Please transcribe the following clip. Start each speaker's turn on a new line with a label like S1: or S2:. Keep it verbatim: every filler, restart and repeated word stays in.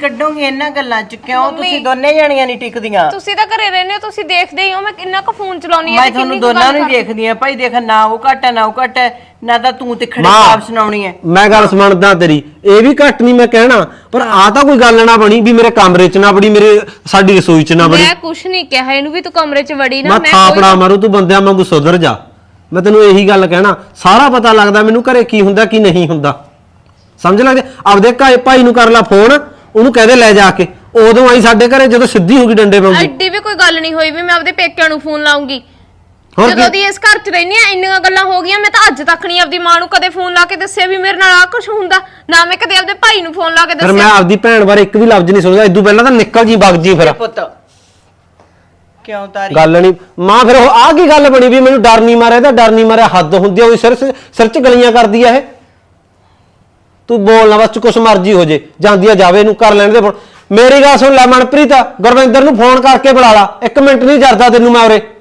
S1: ਕੱਢੋਗੇ ਇਹਨਾਂ ਗੱਲਾਂ ਚ? ਕਿਉਂ ਤੁਸੀਂ ਦੋਨੇ ਜਾਣੀਆਂ ਨਹੀਂ ਟਿਕਦੀਆਂ?
S2: ਤੁਸੀਂ ਤਾਂ ਘਰੇ ਰਹਿੰਦੇ ਹੋ, ਤੁਸੀਂ ਦੇਖਦੇ ਹੀ ਹੋ ਮੈਂ ਕਿੰਨਾ ਕੁ ਫੋਨ ਚਲਾਉਣੀ
S1: ਮੈਂ ਤੁਹਾਨੂੰ ਦੋਨਾਂ ਨੂੰ ਦੇਖਦੀ ਆ ਭਾਈ। ਦੇਖ ਨਾ ਉਹ ਘੱਟ ਨਾ ਉਹ ਘੱਟ ਨਾ ਤਾਂ ਤੂੰ ਤਿੱਖੜੇ ਜਵਾਬ ਸੁਣਾਉਣੀ ਹੈ।
S3: ਮੈਂ ਗੱਲ ਸਮਝਦਾ ਤੇਰੀ, ਇਹ ਵੀ ਘੱਟ ਨਹੀਂ ਮੈਂ ਕਹਿਣਾ, ਪਰ ਆ ਤਾਂ ਕੋਈ ਗੱਲ ਨਾ ਬਣੀ ਵੀ ਮੇਰੇ ਕਮਰੇ ਚ ਨਾ ਬੜੀ, ਮੇਰੇ ਸਾਡੀ ਰਸੋਈ ਚ ਨਾ ਬੜੀ।
S2: ਮੈਂ ਕੁਛ ਨਹੀਂ ਕਿਹਾ ਇਹਨੂੰ ਵੀ ਤੂੰ ਕਮਰੇ ਚ ਵੜੀ ਨਾ।
S3: ਮੈਂ ਥਾਪੜਾ ਮਾਰੂ, ਤੂੰ ਬੰਦਿਆਂ ਵਾਂਗੂ ਸੁਧਰ ਜਾ। ਮੈਂ ਤੈਨੂੰ ਇਹੀ ਗੱਲ ਕਹਿਣਾ, ਸਾਰਾ ਪਤਾ ਲੱਗਦਾ ਮੈਨੂੰ ਘਰੇ ਕੀ ਹੁੰਦਾ ਕੀ ਨਹੀਂ ਹੁੰਦਾ, ਸਮਝ ਲੱਗਦੇ। ਆਪਦੇ ਭਾਈ ਨੂੰ ਕਰ ਲੈ ਫੋਨ, ਉਹਨੂੰ ਕਹਦੇ ਲੈ ਜਾ ਕੇ। ਉਦੋਂ ਆਈ ਸਾਡੇ ਘਰੇ ਜਦੋਂ ਸਿੱਧੀ ਹੋ ਗਈ ਡੰਡੇ ਵਾਂਗੂ।
S2: ਐਡੀ ਵੀ ਕੋਈ ਗੱਲ ਨਹੀਂ ਹੋਈ ਵੀ ਮੈਂ ਆਪਦੇ ਪੇਕਿਆਂ ਨੂੰ ਫੋਨ ਲਾਉਂਗੀ। ਜਦੋਂ ਦੀ ਇਸ ਘਰ ਚ ਰਹਿਨੀ ਆ ਇੰਨੀਆਂ ਗੱਲਾਂ ਹੋ ਗਈਆਂ, ਮੈਂ ਤਾਂ ਅੱਜ ਤੱਕ ਨਹੀਂ ਆਪਦੀ ਮਾਂ ਨੂੰ ਕਦੇ ਫੋਨ ਲਾ ਕੇ ਦੱਸਿਆ ਵੀ ਮੇਰੇ ਨਾਲ ਆ ਕੁਝ ਹੁੰਦਾ, ਨਾ ਮੈਂ ਕਦੇ ਆਪਦੇ ਭਾਈ ਨੂੰ ਫੋਨ ਲਾ ਕੇ ਦੱਸਿਆ।
S3: ਫਿਰ ਮੈਂ ਆਪਦੀ ਭੈਣ ਬਾਰੇ ਇੱਕ ਵੀ ਲਫ਼ਜ਼ ਨਹੀਂ ਸੁਣਦਾ। ਇਦੋਂ ਪਹਿਲਾਂ ਤਾਂ ਨਿਕਲ ਜੀ ਵਗ ਜੀ। ਫਿਰ
S1: ਪੁੱਤ ਕਿਉਂ ਤਾਰੀ
S3: ਗੱਲ ਨਹੀਂ ਮਾਂ, ਫਿਰ ਉਹ ਆ ਕੀ ਗੱਲ ਬਣੀ ਵੀ ਮੈਨੂੰ ਡਰ ਨਹੀਂ ਮਾਰਿਆ? ਤਾਂ ਡਰ ਨਹੀਂ ਮਾਰਿਆ ਹੱਦ ਹੁੰਦੀ ਆ, ਉਹ ਸਿਰ ਸਿਰ ਚ ਗਲੀਆਂ ਕਰਦੀ ਆ ਇਹ। ਤੂੰ ਬੋਲ ਨਾ ਬਸ, ਕੁਛ ਮਰਜ਼ੀ ਹੋ ਜੇ, ਜਾਂਦੀ ਆ ਜਾਵੇ, ਇਹਨੂੰ ਕਰ ਲੈਣ ਦੇ ਫੋਨ। ਮੇਰੀ ਗੱਲ ਸੁਣ ਲੈ ਮਨਪ੍ਰੀਤ, ਗੁਰਵਿੰਦਰ ਨੂੰ ਫੋਨ ਕਰਕੇ ਬੁਲਾ ਲਾ, ਇੱਕ ਮਿੰਟ ਨਹੀਂ ਜਰਦਾ ਤੈਨੂੰ ਮੈਂ ਉਰੇ।